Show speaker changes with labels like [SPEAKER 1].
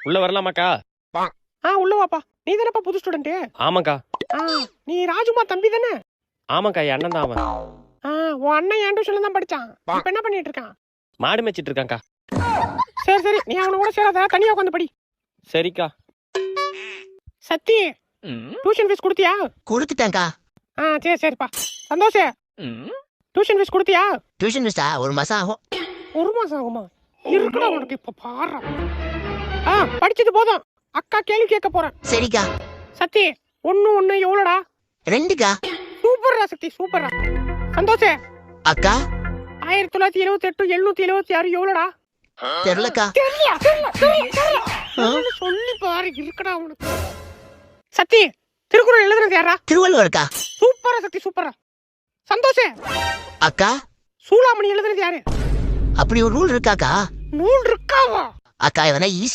[SPEAKER 1] உள்ள வரலாமாக்கா?
[SPEAKER 2] உள்ள வாப்பா. நீ தானப்பா புது ஸ்டூடெண்ட்?
[SPEAKER 1] ஆமாக்கா.
[SPEAKER 2] நீ ராஜுமா தம்பி தானே?
[SPEAKER 1] ஆமாக்கா, என் அண்ணன் தான் அவன்.
[SPEAKER 2] உன் அண்ணன் என் டியூஷன்ல தான் படிச்சான். இப்ப என்ன பண்ணிட்டு இருக்கான்?
[SPEAKER 1] மாடு மேய்ச்சிட்டு இருக்கான்க்கா.
[SPEAKER 2] சரி நீ அவன கூட சேராத, தனியா உட்காந்து படி.
[SPEAKER 1] சரிக்கா.
[SPEAKER 2] சத்தி, டியூஷன் ஃபீஸ் கொடுத்தியா?
[SPEAKER 3] கொடுத்துட்டேன்க்கா.
[SPEAKER 2] சரிப்பா. சந்தோஷ், டியூஷன் ஃபீஸ் கொடுத்தியா?
[SPEAKER 3] டியூஷன் ஃபீஸா 1 மாசம் ஆகும்.
[SPEAKER 2] 1 மாசம் ஆகுமா? இருக்குடா உனக்கு இப்ப பாரு. படிச்சது போதும், அக்கா கேள்வி கேட்க போறேன்.
[SPEAKER 3] சரிக்கா.
[SPEAKER 2] சத்தி, 1 எவ்வளோடா?
[SPEAKER 3] 2க்கா.
[SPEAKER 2] சூப்பர்ரா சத்தி, சூப்பர்ரா. சந்தோஷ்
[SPEAKER 3] அக்கா
[SPEAKER 2] 1978 776 எவ்வளோடா?
[SPEAKER 3] தெரியலக்கா.
[SPEAKER 2] சொல்லி பாரு, இருக்குடா உனக்கு. சத்தி, திருக்குறள் எழுதுறது யாரா?
[SPEAKER 3] திருவள்ளுவர்க்கா.
[SPEAKER 2] சூப்பரா சத்தி, சூப்பரா. சந்தோஷ்
[SPEAKER 3] அக்கா
[SPEAKER 2] சூளாமணி எழுதுறது யாரு?
[SPEAKER 3] அப்படி ஒரு ரூல் இருக்காக்கா?
[SPEAKER 2] நூல் இருக்காவா?
[SPEAKER 3] அக்கா எதனா